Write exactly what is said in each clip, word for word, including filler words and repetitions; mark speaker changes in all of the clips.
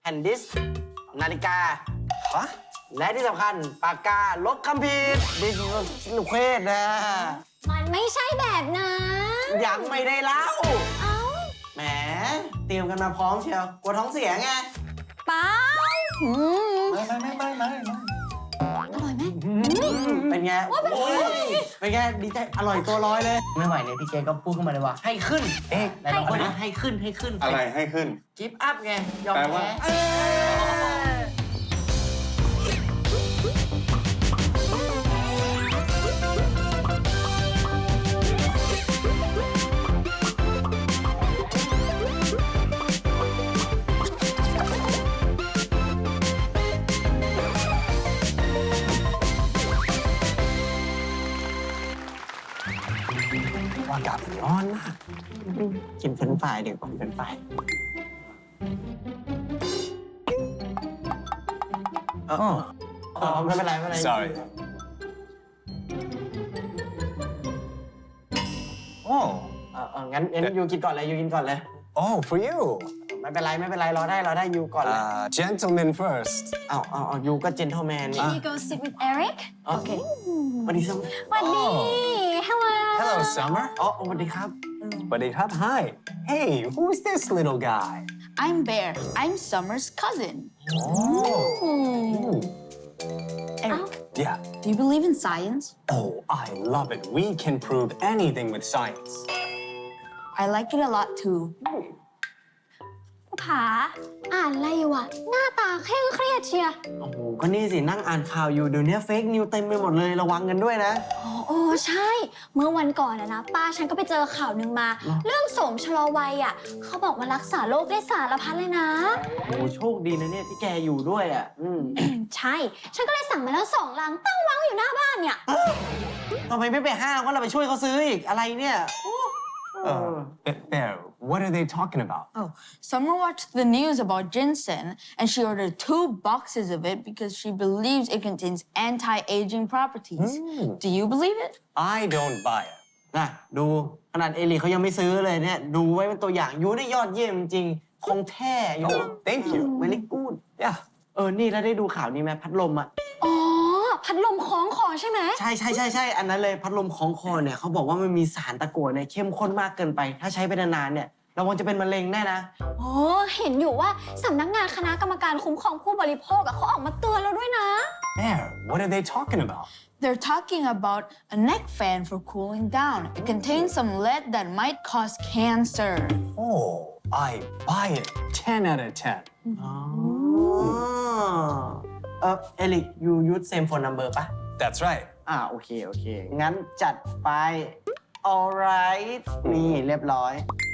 Speaker 1: ผ่นดิสก์นาฬิกา
Speaker 2: ฮะ
Speaker 1: และที่สำคัญปากกาลบคำผิดดิสลูกเควสนะ
Speaker 3: มันไม่ใช่แบบนั้น
Speaker 1: ยังไม่ได้เล่า
Speaker 3: เอ้า
Speaker 1: แหมเตรียมกันมาพร้อมเชียวกลัวท้องเสียไง
Speaker 3: เปล่าอืม
Speaker 2: ไม่ไม่ไม่ไม่ไม่ไม่
Speaker 3: อร่อยไหม
Speaker 1: เป็นไงโอ้ยเป็นไงดีใจอร่อยตัวร้อยเลย ไม่ไหวเลยพี่เจก็พูดขึ้นมาเลยว่า ให้ขึ้น
Speaker 2: เอ๊ะ
Speaker 1: แต่เราคนนะให้ขึ้นให้ขึ้น
Speaker 4: อะไรให้ขึ้น
Speaker 1: กิฟต์อัพไงยอม
Speaker 4: แปลว่า
Speaker 1: แพ้
Speaker 2: อากาศร้อนมาก
Speaker 1: กินเฟรนช์ฟรายดีกว่าเฟรนช์ฟรายเออเออไม่เป็นไรไม่เป็นไร
Speaker 2: sorry โอ้
Speaker 1: เออเอองั้นงั้นยูกินก่อนเลยยูกินก่อนเลย
Speaker 2: oh for you
Speaker 1: ไม่เป็นไรไม่เป็นไรรอได้รอได้ยูก่อนเลย
Speaker 2: uh, gentlemen first
Speaker 1: เอาเอาเอายูก็เจนเทลแมนนี่
Speaker 3: Can you go sit with Eric
Speaker 1: โอเคสวัสดีซัม
Speaker 3: สวัสดี Hello
Speaker 2: hello Summer
Speaker 1: อ๋อสวัสดีครับ
Speaker 2: But it up hi hey who's this little guy
Speaker 5: I'm Bear. I'm Summer's cousin.
Speaker 2: oh
Speaker 5: Eric,
Speaker 2: yeah
Speaker 5: do you believe in science?
Speaker 2: oh I love it we can prove anything with science
Speaker 5: I like it a lot too.
Speaker 3: ผาอ่านอะไรอยู่อะหน้าตาเคร่งเครียดเชียร์
Speaker 1: โอ้โหก็นี่สินั่งอ่านข่าวอยู่เดี๋ยวนี้เฟกนิวเต็มไปหมดเลยระวังกันด้วยนะ
Speaker 3: อ๋อโอ้ใช่ เมื่อวันก่อนอะนะป้าฉันก็ไปเจอข่าวหนึ่งมา เรื่องโสมชะลอวัยอะเขาบอกว่ารักษาโรคได้สารพัดเลยนะ
Speaker 1: โอ้โหโชคดีนะเนี่ยที่แกอยู่ด้วยอ่ะอืม
Speaker 3: ใช่ ฉันก็เลยสั่งมาแล้วสองลังตั้งวางอยู่หน้าบ้านเนี่ย
Speaker 1: ทำไมไม่ไปห้ามว่าเราไปช่วยเขาซื้ออีกอะไรเนี่ยโอ้เออ
Speaker 2: uh, Bear what are they talking about
Speaker 5: Oh, Summer watched the news about ginseng and she ordered two boxes of it because she believes it contains anti-aging properties. Do you believe it?
Speaker 2: I don't buy it
Speaker 1: นะดูขนาดเอลิเขายังไม่ซื้อเลยเนี่ยดูไว้เป็นตัวอย่างยูได้ยอดเยี่ยมจริงๆคงแท้ยู
Speaker 2: Oh, thank you
Speaker 1: เวลิกูด
Speaker 2: yeah
Speaker 1: เออนี่แล้วได้ดูข่าวนี้ไหมพัดลมอ่ะ
Speaker 3: อ๋อ พัดลมคล้องคอใช่ไหม
Speaker 1: ใช่ใช่ใช่ใช่อันนั้นเลยพัดลมของคอเนี่ยเขาบอกว่ามันมีสารตะกั่วเนี่ยเข้มข้นมากเกินไป ถ้าใช้ไปนานๆเนี่ยระวังจะเป็นมะเร็งแน่นะ
Speaker 3: โอ้เห็นอยู่ว่าสำนักงานคณะกรรมการคุ้มครองผู้บริโภคอะเขาออกมาเตือนแล้วด้วยนะ
Speaker 2: Bear what are they talking about
Speaker 5: They're talking about a neck fan for cooling down. It contains some lead that might cause cancer.
Speaker 2: oh I buy it ten out of ten
Speaker 1: อ๋อเออเอลิกยูยูดเซมโฟนนัมเบอร์ปะ
Speaker 2: that's right
Speaker 1: อ่าโอเคโอเค งั้นจัดไป alright นี่เรียบร้อย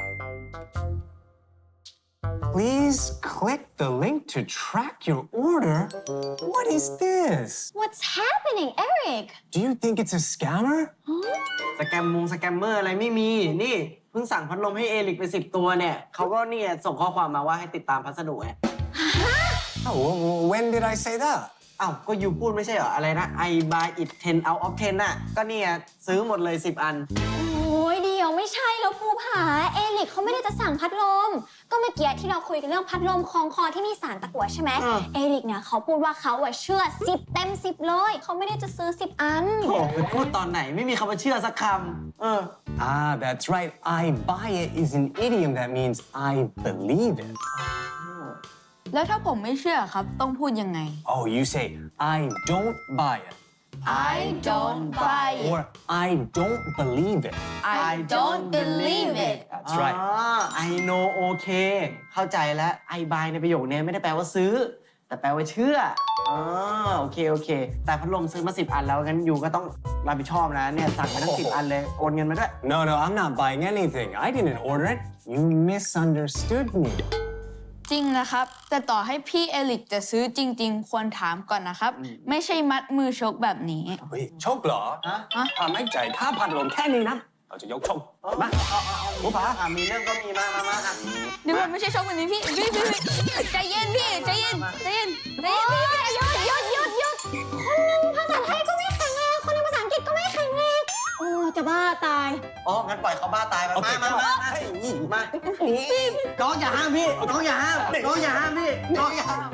Speaker 2: Please click the link to track your order. What is this?
Speaker 3: What's happening Eric
Speaker 2: Do you think it's a scammer?
Speaker 1: สแกมมงสแกมเมอร์อะไรไม่มี นี่เพิ่งสั่งพัดลมให้เอลิกไปสิบตัวเนี่ยเขาก็เนี่ยส่งข้อความมาว่าให้ติดตามพัสดุไง
Speaker 2: Oh, w- w- when did I say that?
Speaker 1: อ้าวก็ยูพูดไม่ใช่เหรอ อะไรนะ I buy it ten out of ten น่ะ ก็เนี่ยซื้อหมดเลยสิบอัน
Speaker 3: โอ้ยเดียวไม่ใช่แล้วภูผาเอลิกเขาไม่ได้จะสั่งพัดลม ก็เมื่อกี้ที่เราคุยกันเรื่องพัดลมคล้องคอที่มีสารตะกั่วใช่ไหม
Speaker 1: อ่า
Speaker 3: เอลิกเนี่ยเขาพูดว่าเขาอะเชื่อสิบเต็มสิบเลยเขาไม่ได้จะซื้อสิบอัน
Speaker 1: โอ้ไปพูดตอนไหนไม่มีคำว่าเชื่อสักคำเออ
Speaker 2: Ah, that's right. I buy it is an idiom that means I believe it.
Speaker 5: แล้วถ้าผมไม่เชื่อครับต้องพูดยังไง
Speaker 2: Oh, you say, I don't buy it.
Speaker 5: I don't buy it.
Speaker 2: Or I don't believe it.
Speaker 5: I don't believe it.
Speaker 2: That's
Speaker 1: อ๋อ
Speaker 2: right.
Speaker 1: I know okay เข้าใจแล้ว I buy ในประโยคนี้ไม่ได้แปลว่าซื้อ แต่แปลว่าเชื่ออ๋อโอเคโอเค แต่พัดลมซื้อมาสิบอันแล้วงั้นยูก็ต้องรับผิดชอบนะเนี่ยสั่งมาทั้งสิบอันเลยโอนเงินมาด้วย
Speaker 2: No, no, I'm not buying anything. I didn't order it. You misunderstood me.
Speaker 5: จริงนะครับ แต่ต่อให้พี่เอลิกจะซื้อจริง ๆ ควรถามก่อนนะครับ ไม่ใช่มัดมือชกแบบนี้
Speaker 2: เฮ้ยชกเหรอ
Speaker 1: ฮะ
Speaker 2: ถ้าไม่จ่ายค่าพัดลมแค่นี้นะเราจะยกชกมา
Speaker 1: ผู้ผาอ่ะมีเรื่องก็มีมามามาอ่ะ
Speaker 5: เดี๋ยวมันไม่ใช่ชกแบบนี้พี่พี่พี่พี่ใจเย็นพี่ใจเย็นใจเย็นใจเย็นพี่
Speaker 3: หยุดหยุดหยุดหยุดคนหนึ่งภาษาไทยก็ไม่แข็งแรงคนหนึ่งภาษาอังกฤษก็ไม่แข็งแรงโอ้จะบ้าตาย
Speaker 1: อ๋อ งั้นปล่อยเขาบ้าตายไป
Speaker 2: โอเค
Speaker 1: มามามามามาน้องอย่าห้ามพี่น้องอย่าห้ามน้องอย่าห้ามพี่น้องอย่าห้าม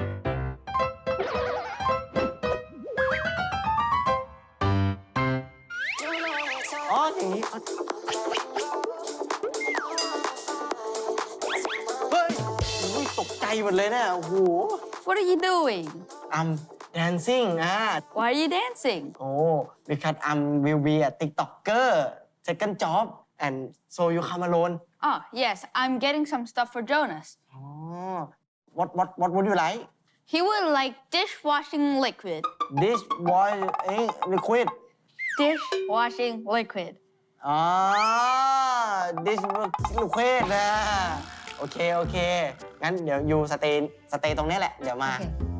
Speaker 1: อ๋ออย่างนี้เฮ้ยอุ๊ยตกใจหมดเลยเนี่ยโอ้โห
Speaker 5: What are you doing?
Speaker 1: I'm dancing อ่ะ
Speaker 5: Why are you dancing?
Speaker 1: โอ้ because I'm will be a TikToker second job and so you come alone
Speaker 5: Oh, yes, I'm getting some stuff for Jonas.
Speaker 1: อ๋อ what what what would you like
Speaker 5: He would like dishwashing liquid.
Speaker 1: this boy เอ้ย liquid
Speaker 5: Dishwashing liquid.
Speaker 1: อ๋อ this liquid นะโอเค โอเค งั้นเดี๋ยวอยู่สเตย์สเตย์ตรงนี้แหละ เดี๋ยวมา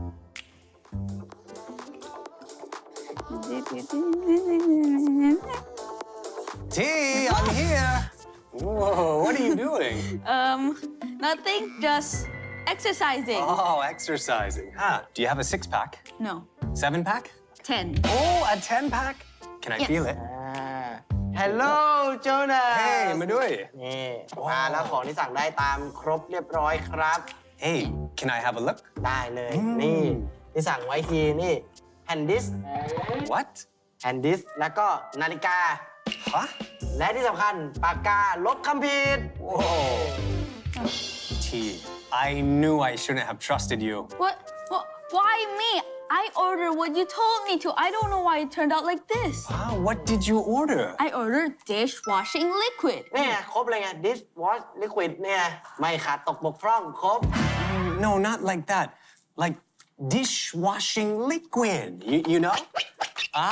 Speaker 2: T, I'm here. Whoa, what are you doing?
Speaker 5: Um, nothing, just exercising.
Speaker 2: Oh, exercising. Ah, do you have a six pack?
Speaker 5: No,
Speaker 2: Seven pack?
Speaker 5: ten.
Speaker 2: Oh, a ten pack? Can I
Speaker 5: Yes.
Speaker 2: feel it?
Speaker 1: อ่า Hello Jonas
Speaker 2: Hey, Madui.
Speaker 1: นี่มาแล้วของที่สั่งได้ตามครบเรียบร้อยครับ
Speaker 2: Hey, can I have a look?
Speaker 1: ได้เลย
Speaker 2: อืม
Speaker 1: นี่ ที่สั่งไว้ทีนี่แฮนดิส
Speaker 2: What?
Speaker 1: แฮนดิส แล้วก็นาฬิกา
Speaker 2: Huh?
Speaker 1: และที่สำคัญปากกาลบคำผิด
Speaker 2: Whoa. T, I knew I shouldn't have trusted you.
Speaker 5: What? What? Why me? I ordered what you told me to. I don't know why it turned out like this.
Speaker 2: Wow, what did you order?
Speaker 5: I ordered dishwashing liquid.
Speaker 1: เนี่ยครบเลยไง dish wash liquid เนี่ยไม่ขาดตกบกพร่องครบ
Speaker 2: No, not like that. Like dishwashing liquid. You, you know?
Speaker 1: อ๋อ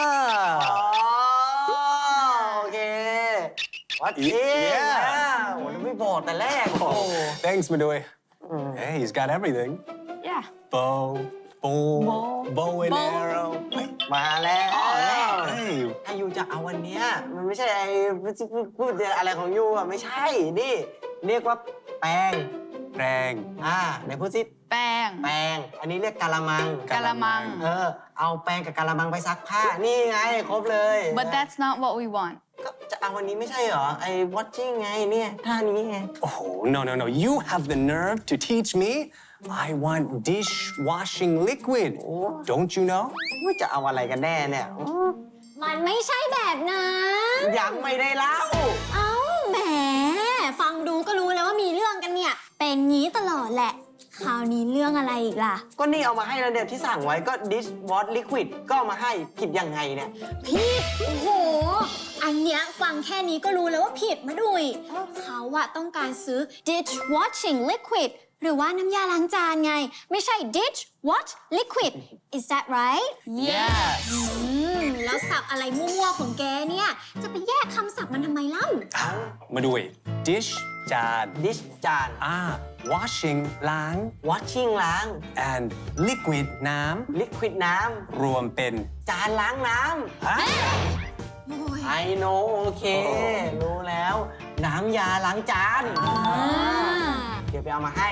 Speaker 2: Ah.
Speaker 1: โอเค วัด
Speaker 2: Yeah.
Speaker 1: เองนะโอ้ยไม่บอกแต่แรก โอ้
Speaker 2: Oh, thanks, Madui. Hey, he's got everything.
Speaker 5: Yeah.
Speaker 2: Bow, bow,
Speaker 5: Bow.
Speaker 2: bow and
Speaker 5: Bow.
Speaker 2: arrow. Wait.
Speaker 1: มาแล้ว
Speaker 2: Hey,
Speaker 1: ถ้ายูจะเอาวันเนี้ยมันไม่ใช่ไอ้พูดอะไรของยูอ่ะไม่ใช่ นี่ เรียกว่าแปรง
Speaker 2: Rang.
Speaker 1: อ่าไหนพูดสิ
Speaker 5: Bang.
Speaker 1: แปรงอันนี้เรียกกะละมัง
Speaker 5: Galamang.
Speaker 1: เออ เอาแปรงกับกะละมังไปซักผ้า นี่ไง ครบเลย
Speaker 5: But that's not what we want.
Speaker 1: ก็จะเอาวันนี้ไม่ใช่เหรอ ไอ้ watching ไงเนี่ยท่านี้ไง
Speaker 2: Oh, no, no, no. You have the nerve to teach me? I want dishwashing liquid. Don't you know?
Speaker 1: ว่าจะเอาอะไรกันแน่เนี่ย
Speaker 3: มันไม่ใช่แบบนั้น
Speaker 1: ยังไม่ได้เล่า
Speaker 3: เอ้าแหม ฟังดูก็รู้แล้วว่ามีเรื่องกันเนี่ย เป็นงี้ตลอดแหละ คราวนี้เรื่องอะไรอีกล่ะ
Speaker 1: ก็นี่เอามาให้แล้วเดี๋ยวที่สั่งไว้ก็ dish wash liquid ก็เอามาให้ผิดยังไงเนี่ย
Speaker 3: ผิด โอ้โห อันเนี้ยฟังแค่นี้ก็รู้แล้วว่าผิดมาดุยเขาอะต้องการซื้อ dish washing liquid หรือว่าน้ำยาล้างจานไง ไม่ใช่ dish wash liquid is that right
Speaker 5: Yes.
Speaker 3: อืม แล้วสับอะไรมั่วๆของแกเนี่ย จะไปแยกคำศัพท์มันทำไมเล่า
Speaker 2: Madui. Dish, jad.
Speaker 1: dish จาน
Speaker 2: Ah, washing, lang.
Speaker 1: washing ล้าง
Speaker 2: And liquid, nam.
Speaker 1: liquid น้
Speaker 2: รวมเป็น
Speaker 1: ำ จานล้างน้
Speaker 2: Huh?
Speaker 1: ำ I know โอเค รู้แล้ว น้ำยาล้างจาน เดี๋ยวไปเอามาให้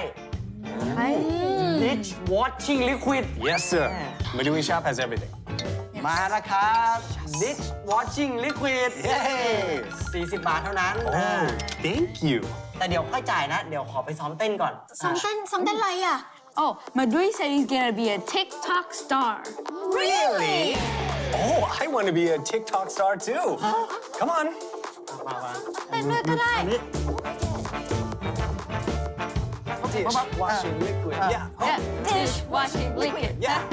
Speaker 1: dish washing liquid
Speaker 2: Yes, sir.
Speaker 1: Yeah.
Speaker 2: Madui shop has everything.
Speaker 1: มาแล้วครับ dish washing liquid
Speaker 2: Yay
Speaker 1: สี่สิบบาทเท่านั้นอ่า
Speaker 2: Oh, thank you.
Speaker 1: แต่เดี๋ยวค่อยจ่ายนะ เดี๋ยวขอไปซ้อมเต้นก่อน
Speaker 3: ซ้อมเต้นซ้อมเต้นอะไรอะ
Speaker 5: Oh, Madui said he's gonna be a TikTok star.
Speaker 2: Really? Oh, I want to be a TikTok star too. Come on.
Speaker 1: มามา
Speaker 3: เต้นด้วยก็ได้
Speaker 1: อันนี้
Speaker 2: Dish washing liquid. Yeah. Oh,
Speaker 5: Yeah. Dishwashing liquid.
Speaker 2: yeah.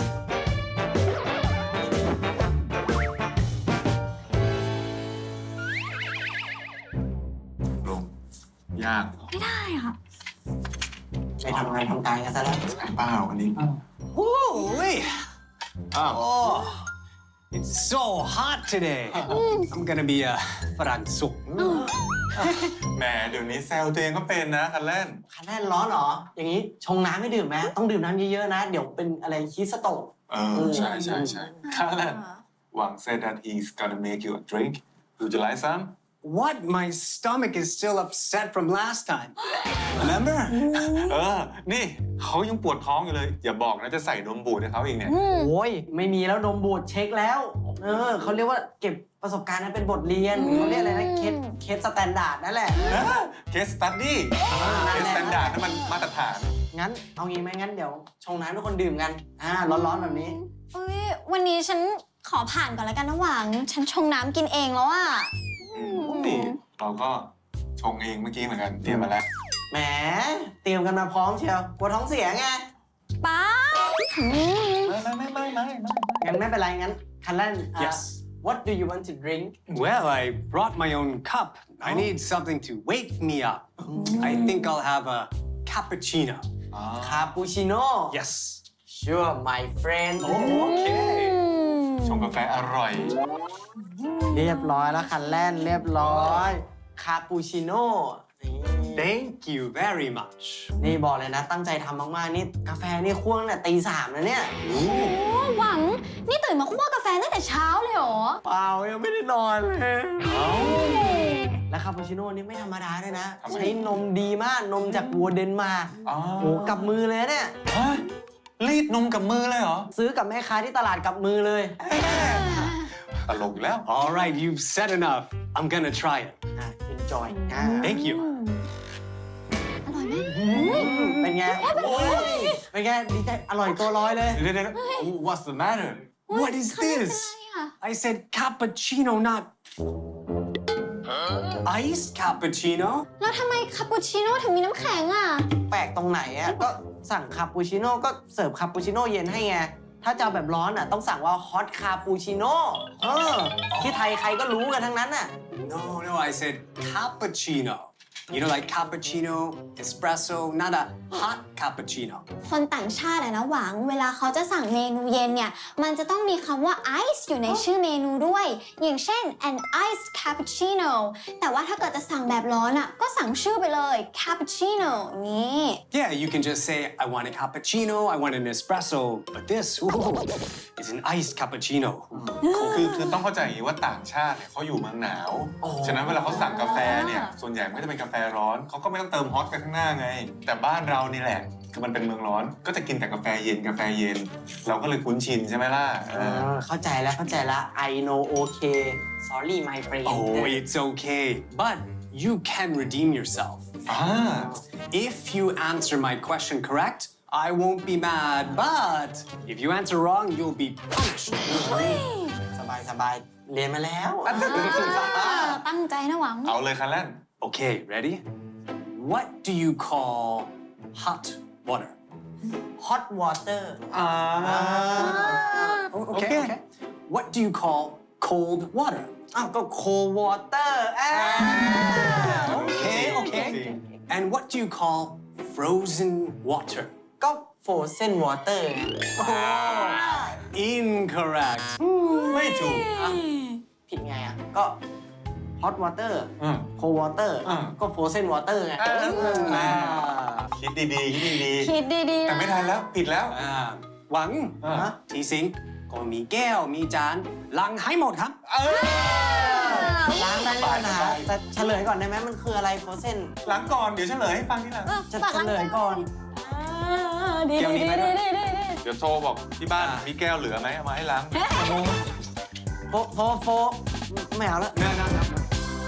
Speaker 4: ลงยากเหรอ
Speaker 3: ไม่ได้อะ
Speaker 1: ไปทำงานทำการกันซะแล้ว
Speaker 4: ไอ้เปล่าอันนี้
Speaker 2: Holy.
Speaker 4: อ้าว
Speaker 2: Oh, it's so hot today. I'm gonna be a Farang Suk.
Speaker 4: แหมเดี๋ยวนี้แซวตัวเองก็เป็นนะคันเล่น
Speaker 1: คันแรกร้อนเหรอ อย่างนี้ชงน้ำไม่ดื่มไหมต้องดื่มน้ำเยอะๆนะ เดี๋ยวเป็นอะไรฮีสโตก
Speaker 4: เออ ใช่ใช่ใช่คันเล่นหวัง said that he's gonna make you a drink would you like some
Speaker 2: What? My stomach is still upset from last time. Remember?
Speaker 4: เออ นี่เขายังปวดท้องอยู่เลย อย่าบอกนะจะใส่นมบูดให้เขาอีกเนี่ย
Speaker 1: โอ้ย ไม่มีแล้วนมบูดเช็คแล้ว เออเขาเรียกว่าเก็บประสบการณ์นั้นเป็นบทเรียนเขาเรียกอะไรนะเคสเคสสแตนดาร์ดนั่นแหละ
Speaker 4: เคสสตัดดี้เคสสแตนดาร์ดนั่นมันมาตรฐาน
Speaker 1: งั้นเอางี้ไหมงั้นเดี๋ยวชงน้ำทุกคนดื่มกันอ่าร้อนๆแบบนี้
Speaker 3: เอ้ยวันนี้ฉันขอผ่านก่อนแล้วกันนะหวัง ฉันชงน้ำกินเองแล้วอะ
Speaker 4: นี่เราก็ชงเองเมื่อกี้เหมือนกันเตรียมมาแล้ว
Speaker 1: แหมเตรียมกันมาพร้อมเชียวกลัวท้องเสียไง
Speaker 3: ป้าอืม
Speaker 4: ไม่ไม่ไม่ไม่ไม่ไม่
Speaker 1: งั้นไม่เป็นไรงั้นคันแรกอ่ะ
Speaker 2: Yes.
Speaker 1: What do you want to drink
Speaker 2: Well, I brought my own cup. I need something to wake me up. I think I'll have a cappuccino.
Speaker 1: คาปูชิโน่
Speaker 2: Yes.
Speaker 1: Sure my friend
Speaker 2: Okay.
Speaker 4: ชงกาแฟอร่อย
Speaker 1: เรียบร้อยแล้วคันแรกเรียบร้อยคาปูชิโน่นี่
Speaker 2: Thank you very much.
Speaker 1: นี่บอกเลยนะตั้งใจทำมากๆนี่กาแฟนี่คั่วตั้งแต่ตีสามนะเนี่ย
Speaker 3: โอ้หวัง นี่ตื่นมาคั่วกาแฟตั้งแต่เช้าเลยเหรอ
Speaker 1: เปล่ายังไม่ได้นอนเลย และคาปูชิโน่นี่ไม่ธรรมดาด้วยนะ
Speaker 4: ทำไม
Speaker 1: ใช้นมดีมากนมจากวัวเดนมาร์ก
Speaker 4: อ๋อ
Speaker 1: โอ้กับมือเลยเนี่ย
Speaker 4: เฮ้ยรีดนมกับมือเลยเหรอ
Speaker 1: ซื้อกับแม่ค้าที่ตลาดกับมือเลย
Speaker 4: ตลกอีกแล้ว
Speaker 2: All right, you've said enough. I'm gonna try it.
Speaker 1: อ่ะ enjoy อ่ะ
Speaker 2: Thank you.
Speaker 3: อร่อยไหม
Speaker 1: เป็นไงโอ้ยเป็นไงดีใจอร่อยตัวร้อยเลย
Speaker 4: เดี๋ยวเดี๋ยวเดี๋ยว Oh, what's the matter
Speaker 2: What is this? I said cappuccino, not iced cappuccino.
Speaker 3: แล้วทำไมคาปูชิโน่ถึงมีน้ำแข็งอ่ะ
Speaker 1: แปลกตรงไหนอ่ะก็สั่งคาปูชิโน่ก็เสิร์ฟคาปูชิโน่เย็นให้ไง ถ้าจะเอาแบบร้อนอ่ะต้องสั่งว่าฮอตคาปูชิโน่เออที่ไทยใครก็รู้กันทั้งนั้นอ่ะ
Speaker 2: No, no, I said cappuccino. You know, like cappuccino, espresso, not a hot cappuccino.
Speaker 3: คนต่างชาติอะนะหวัง เวลาเขาจะสั่งเมนูเย็นเนี่ย มันจะต้องมีคำว่า ice อยู่ในชื่อเมนูด้วย อย่างเช่น an iced cappuccino แต่ว่าถ้าเกิดจะสั่งแบบร้อนอะก็สั่งชื่อไปเลย cappuccino นี่
Speaker 2: Yeah, you can just say, I want a cappuccino, I want an espresso, but this ooh, is an iced cappuccino.
Speaker 4: คือคือต้องเข้าใจอย่างนี้ว่าต่างชาติเนี่ยเขาอยู่เมืองหนาว ฉะนั้นเวลาเขาสั่งกาแฟเนี่ย ส่วนใหญ่ไม่ได้เป็นกาแฟร้อน เขาก็ไม่ต้องเติมฮอตกันข้างหน้าไง แต่บ้านเรานี่แหละ คือมันเป็นเมืองร้อน ก็จะกินแต่กาแฟเย็นกาแฟเย็น เราก็เลยคุ้นชินใช่ไหมล่ะเอ
Speaker 1: เอ
Speaker 4: อ
Speaker 1: อเข้าใจแล้วเข้าใจแล้ว I know okay sorry my friend
Speaker 2: Oh, it's okay, but you can redeem yourself.
Speaker 4: อ่า
Speaker 2: If you answer my question correct, I won't be mad, but if you answer wrong, you'll be punished.
Speaker 1: สบายสบายเรียนมาแล้ว
Speaker 3: ตั้งใจนะหวัง
Speaker 4: เอาเลยคันแรก
Speaker 2: Okay, ready? What do you call hot water?
Speaker 1: hot water
Speaker 4: อ่า
Speaker 2: Oh, okay, okay. What do you call cold water?
Speaker 1: อ้าวก็ cold water อ่า
Speaker 2: Okay, okay. And what do you call frozen water?
Speaker 1: ก็ frozen water ไง
Speaker 2: Incorrect.
Speaker 4: ไม่ถูก
Speaker 1: ผิดไงอ่ะ ก็ hot water
Speaker 4: อืม
Speaker 1: cold water
Speaker 4: อ่า
Speaker 1: ก็ frozen water ไง
Speaker 4: อ่า คิดดีๆ คิดดี
Speaker 3: คิดดี
Speaker 4: ๆ
Speaker 3: ๆ
Speaker 4: แต่
Speaker 3: นะ
Speaker 4: ไม่ทันแล้ว ผิดแล้ว
Speaker 2: อ่าหวัง
Speaker 4: อ่า
Speaker 2: ที่ซิงค์ก็มีแก้วมีจานล้างให้หมดครับ
Speaker 4: เออ
Speaker 1: ล้างได้ไม่เป็นปัญหา
Speaker 4: ไป
Speaker 1: แต่เฉลยก่อนได้ไหมมันคืออะไร frozen
Speaker 4: หลังก่อน เดี๋ยวเฉลยให้ฟังทีหลัง
Speaker 1: จะเฉลยก่อน
Speaker 3: ดี
Speaker 2: เดี๋ยวนี้
Speaker 3: ดี
Speaker 2: ไหม
Speaker 3: ดีดีดี
Speaker 4: เดี๋ยวโทรบอกที่บ้านมีแก้วเหลือไหมเอามาให้ล้าง
Speaker 1: โฟโฟโฟไม่เอาแล้ว
Speaker 2: No, no, no, no.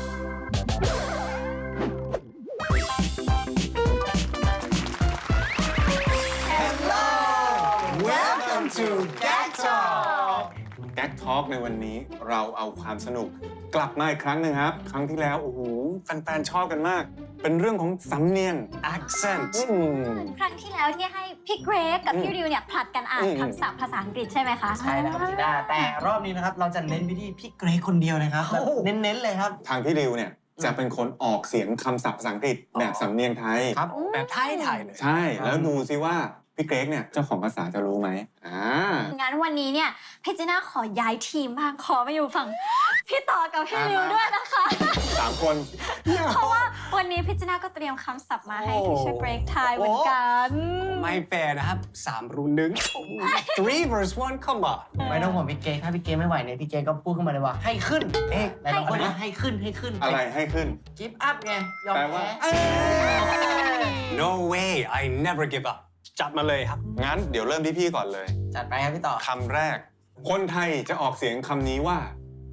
Speaker 1: Welcome to Gag Talk
Speaker 4: แก๊กทอล์กในวันนี้เราเอาความสนุกกลับมาอีกครั้งหนึ่งครับ ครั้งที่แล้ว โอ้โหแฟนๆชอบกันมาก เป็นเรื่องของสำเนียง
Speaker 2: Accent.
Speaker 4: อืม
Speaker 6: ครั้งที่แล้วที่ให้พี่เกรกกับพี่ริวเนี่ยผลัดกันอ่าน
Speaker 4: อืม
Speaker 6: คำศัพท์ภาษาอังกฤษใช่ไหมคะ
Speaker 1: ใช่แล้วครับจีด้าแต่รอบนี้นะครับ เราจะเน้นไปที่พี่เกรกคนเดียวนะครับแบบเน้นๆเลยครับ
Speaker 4: ทางพี่ริวเนี่ยจะเป็นคนออกเสียงคำศัพท์ภาษาอังกฤษแบบสำเนียงไทย
Speaker 1: ครับ
Speaker 2: แบบไทยๆเลย
Speaker 4: ใช่ แล้วดูซิว่าพี่เกรกเนี่ยเจ้าของภาษาจะรู้ไหมอ่า
Speaker 6: งั้นวันนี้เนี่ยพี่จีน่าขอย้ายทีมบ้างขอมาอยู่ฝั่งพี่ต่อกับพี่ริวด้วยนะคะ
Speaker 4: สามคน
Speaker 6: เพราะว่าวันนี้พี่จีน่าก็เตรียมคำศัพท์มาให้พี่ช่วยเกรกทายเหมือนกัน
Speaker 2: ไม่แฟร์นะครับสามรุ่นหนึ่ง three verse one come on
Speaker 1: ไม่ต้องห่วงพี่เกรกถ้าพี่เกรกไม่ไหวเนี่ยพี่เกรกก็พูดขึ้นมาเลยว่าให้ขึ้นเอ๊ะแต่เราพูดว่าให้ขึ้นให้ขึ้น
Speaker 4: อะไรให้ขึ้น
Speaker 1: กิฟต์อัพไงยอม
Speaker 4: แปลว่า
Speaker 1: แพ้
Speaker 2: no way I never give up จัดมาเลยครับ
Speaker 4: งั้นเดี๋ยวเริ่มที่พี่ก่อนเลย
Speaker 1: จัดไปครับพี่ต่อ
Speaker 4: คำแรก คนไทยจะออกเสียงคำนี้ว่า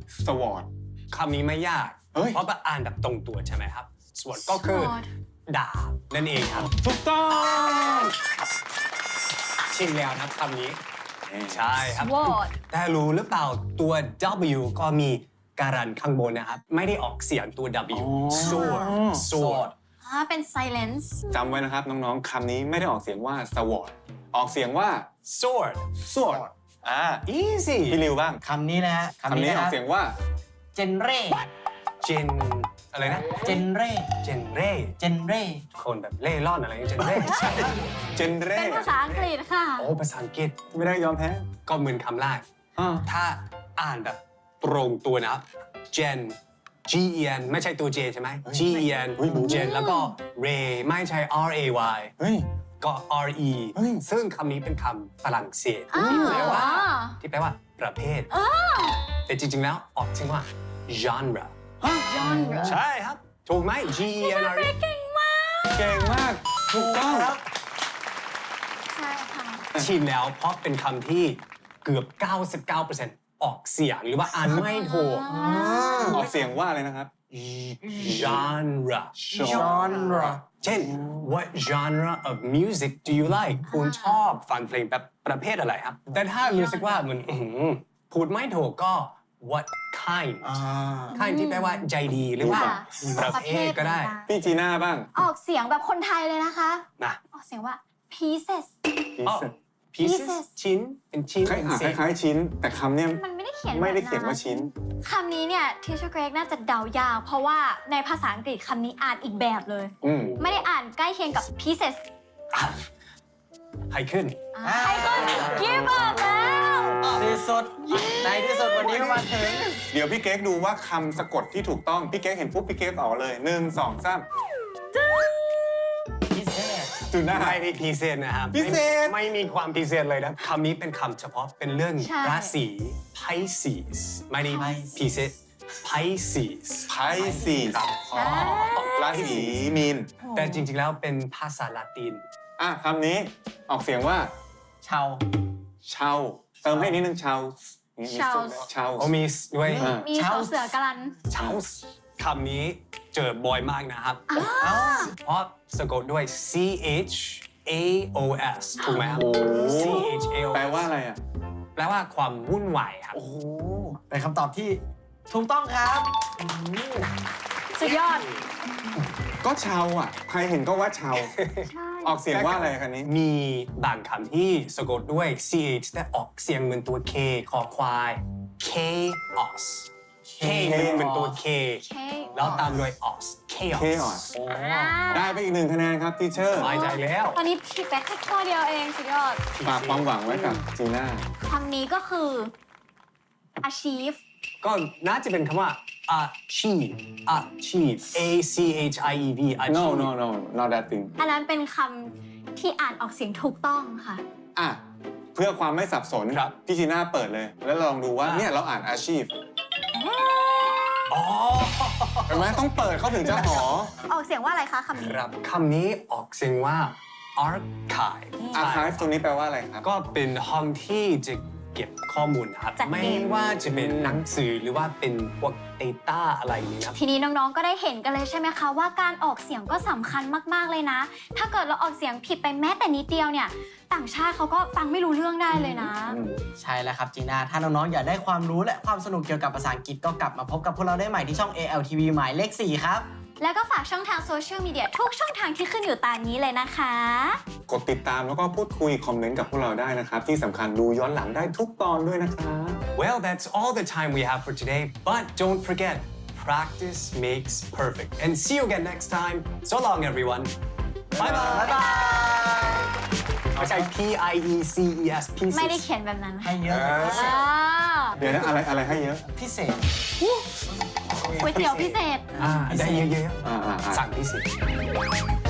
Speaker 4: sword
Speaker 2: คำนี้ไม่ยาก
Speaker 4: เฮ้ย
Speaker 2: เพราะว่าอ่านแบบตรงตัวใช่ไหมครับ ส่วนก็คือ
Speaker 3: Sword
Speaker 2: ดาบนั่นเองครับ
Speaker 4: ถูกต้อง
Speaker 2: ชิมแล้วนะคำนี้ ใช่ครับ
Speaker 3: Sword
Speaker 2: แต่รู้หรือเปล่าตัว W ก็มีการันข้างบนนะครับ ไม่ได้ออกเสียงตัว W sword sword
Speaker 3: อ่าเป็น silence
Speaker 4: จำไว้นะครับน้องๆคำนี้ไม่ได้ออกเสียงว่า sword ออกเสียงว่า
Speaker 2: sword
Speaker 4: sword อ่า
Speaker 2: easy
Speaker 4: พี่ริวบ้าง
Speaker 1: คำนี้นะฮะ
Speaker 4: คำนี้
Speaker 1: นะ
Speaker 4: อ
Speaker 1: ค
Speaker 4: อ
Speaker 1: รั
Speaker 4: ก
Speaker 1: บ
Speaker 4: เสียงว่า
Speaker 1: เจนเร่
Speaker 2: gen อะไรนะ
Speaker 1: เจนเร่
Speaker 2: gen เร่
Speaker 1: เจนเร่
Speaker 2: คนแบบเล่ร่อนอะไรอย่างเงี้ย gen เร่
Speaker 4: เจนเร่
Speaker 3: เป็นภาษาอังกฤษค่ะ
Speaker 2: โอ้ภาษาอังกฤษ
Speaker 4: ไม่ได้ยอมแพ้
Speaker 2: ก็เหมือนคำแรก
Speaker 4: อ่า
Speaker 2: ถ้าอ่านแบบตรงตัวนะครับ gen G E N ไม่ใช่ตัว J ใช่ไหม G E N gen แล้วก็ ray ไม่ใช่ R A Y
Speaker 4: เฮ้ย
Speaker 2: ก็ R E
Speaker 4: เฮ้ย
Speaker 2: ซึ่งคำนี้เป็นคำฝรั่งเศส
Speaker 3: อ้าว
Speaker 2: ที่แปลว่าที่แปลว่าประเภท แต่จริงๆ แล้วออกเสียงว่า genre
Speaker 3: genre
Speaker 2: ใช่ครับ ถูกไหม G E N R E
Speaker 3: เก่งมาก
Speaker 4: เก่งมาก ถูกต้อง
Speaker 3: ใช่ค่ะ
Speaker 2: ชิมแล้วเพราะเป็นคำที่เกือบ เก้าสิบเก้าเปอร์เซ็นต์ ออกเสียงหรือว่าอ่านไม่ถูก
Speaker 4: ออกเสียงว่าอะไรนะครับ
Speaker 2: genre
Speaker 1: genre
Speaker 2: เช่น what genre of music do you like คุณชอบฟังเพลงแบบประเภทอะไรครับ แต่ถ้ารู้สึกว่าเหมือนอื้อหือพูดไม่ถูกก็ what kind
Speaker 1: อ่า
Speaker 2: kind ที่แปลว่าใจดีหรือว่า
Speaker 3: ค่ะ
Speaker 2: ประเภทก็ได้
Speaker 4: พี่จีน่าบ้าง
Speaker 3: ออกเสียงแบบคนไทยเลยนะคะ
Speaker 2: นะ
Speaker 3: ออกเสียงว่า pieces
Speaker 2: อ๋อ
Speaker 3: pieces
Speaker 2: pieces ชิ้นเป็นชิ้น
Speaker 4: คล้าย
Speaker 2: เป็น
Speaker 4: อ่ะ
Speaker 2: เศ
Speaker 4: ค
Speaker 2: ษ
Speaker 4: ล้ายๆชิ้น แต่คำเนี้ย
Speaker 3: มันไม่ได้เขียน
Speaker 4: ไม่ได้
Speaker 3: แบบ
Speaker 4: เขียนว่าชิ้น
Speaker 3: คำนี้เนี่ยทิชเกรกน่าจะเดายาก เพราะว่าในภาษาอังกฤษคำนี้อ่านอีกแบบเลย
Speaker 4: อืม
Speaker 3: ไม่ได้อ่านใกล้เคียงกับ pieces
Speaker 2: ให้ขึ้น
Speaker 3: อ่าใครก็ give up แล้ว
Speaker 1: ที่สุดในที่สุดวันนี้ก็มาถึง
Speaker 4: เดี๋ยวพี่เก๊กดูว่าคำสะกดที่ถูกต้อง พี่เก๊กเห็นปุ๊บพี่เก๊กออกเลยหนึ่งสองสาม
Speaker 1: พิเศษ
Speaker 4: จุดหน้า
Speaker 2: ไม่ได้พิเศษนะครับ
Speaker 4: พิเศษ
Speaker 2: ไม่ไม่มีความพิเศษเลยนะคำนี้เป็นคำเฉพาะเป็นเรื่อง
Speaker 3: ใช่
Speaker 2: ราศี Pisces ไม่ได้พิเศษ Pisces
Speaker 4: ไพซีส
Speaker 3: ใช่
Speaker 4: ราศีมีน
Speaker 2: แต่จริงๆแล้วเป็นภาษาละติน
Speaker 4: อ่ะคำนี้ออกเสียงว่า
Speaker 1: ชาว
Speaker 4: เชาเติมให้นิดนึงเชามีมีสุดไหมเชา
Speaker 2: โอมีสด้วย
Speaker 4: อ่า
Speaker 3: มีสอเสือกรัน
Speaker 2: เช้าคำนี้เจอบ่อยมากนะครับ
Speaker 1: เอ้า
Speaker 2: เพราะสะกดด้วย C H A O S ถูกไหมครับ
Speaker 4: โอ้
Speaker 2: C H A O S
Speaker 4: แปลว่าอะไรอ่ะ
Speaker 2: แปลว่าความวุ่นวายครับ
Speaker 1: โอ้โหเป็นคำตอบที่ถูกต้องครับ
Speaker 3: สุดยอด
Speaker 4: ก็เชาอ่ะ ใครเห็นก็ว่าเชา
Speaker 3: ใช่
Speaker 4: ออกเสียงว่าอะไรคันนี้
Speaker 2: มีบางคำที่สะกดด้วย C H แต่ออกเสียงเหมือนตัว K คอควาย chaos K มันเป็นตัว K
Speaker 3: เค
Speaker 2: แล้วตามด้วย os chaos
Speaker 4: chaos
Speaker 3: อ่า
Speaker 4: ได้ไปอีกหนึ่งคะแนนครับทีเชอร์
Speaker 2: สบายใจแล้ว
Speaker 3: ตอนนี้พี่แป๊กแค่ข้อเดียวเองสุดยอด
Speaker 4: ฝากความหวังไว้กับจีน่า
Speaker 3: คำนี้ก็คือ achieve
Speaker 2: ก็น่าจะเป็นคำว่า achieve achieve A C H I E V achieve
Speaker 4: no no no not that thing
Speaker 3: อันนั้นเป็นคำที่อ่านออกเสียงถูกต้องค่ะ
Speaker 4: อ่ะ เพื่อความไม่สับสน
Speaker 2: ครับ
Speaker 4: พี่จีน่าเปิดเลย แล้วลองดูว่า
Speaker 2: อ่ะ
Speaker 4: เนี่ยเราอ่านอาชีพ
Speaker 2: อ๋อ
Speaker 4: เห็นไหมต้องเปิดเขาถึงจะหอ
Speaker 3: ออกเสียงว่าอะไรคะคำนี้
Speaker 2: ครับคำนี้ออกเสียงว่า archive
Speaker 4: อาร์คายตัวนี้แปลว่าอะไรครับ
Speaker 2: ก็เป็นห้องที่จะเก็บข้อมูลนะครับ
Speaker 3: จัดเก็บ
Speaker 2: ไม่ว่าจะเป็นหนังสือหรือว่าเป็นพวก data อะไรนี้นะครับ
Speaker 3: ทีนี้น้องๆ ก็ได้เห็นกันเลยใช่ไหมคะว่าการออกเสียงก็สำคัญมากๆเลยนะ ถ้าเกิดเราออกเสียงผิดไปแม้แต่นิดเดียวเนี่ย ต่างชาติเขาก็ฟังไม่รู้เรื่องได้เลยนะ
Speaker 1: ใช่แล้วครับจีน่าถ้าน้องๆ อยากได้ความรู้และความสนุกเกี่ยวกับภาษาอังกฤษก็กลับมาพบกับพวกเราได้ใหม่ที่ช่อง เอ แอล ที วี หมายเลขสี่ครับ
Speaker 3: แล้วก็ฝากช่องทางโซเชียลมีเดียทุกช่องทางที่ขึ้นอยู่ตามนี้เลยนะคะ
Speaker 4: กดติดตามแล้วก็พูดคุยคอมเมนต์กับพวกเราได้นะครับ ที่สำคัญดูย้อนหลังได้ทุกตอนด้วยนะครับ
Speaker 2: Well, that's all the time we have for today, but don't forget, practice makes perfect. And see you again next time. So long, everyone. Bye
Speaker 1: บ๊าย
Speaker 2: bye.
Speaker 1: บาย
Speaker 2: ไม่ใช่ P I E C E S pieces
Speaker 3: ไม่ได้เขียนแบบนั้น
Speaker 1: ให้เยอะ
Speaker 3: อ่า
Speaker 4: เดี๋ยวนะอะไรอะไรให้เยอะ
Speaker 1: พิเศษ
Speaker 3: ก๋วยเตี๋ยวพิเศษ
Speaker 2: อ่าได้เยอะ
Speaker 4: อ่าอ่า
Speaker 2: ๆ
Speaker 4: อ่า
Speaker 2: สั่งพิเศษ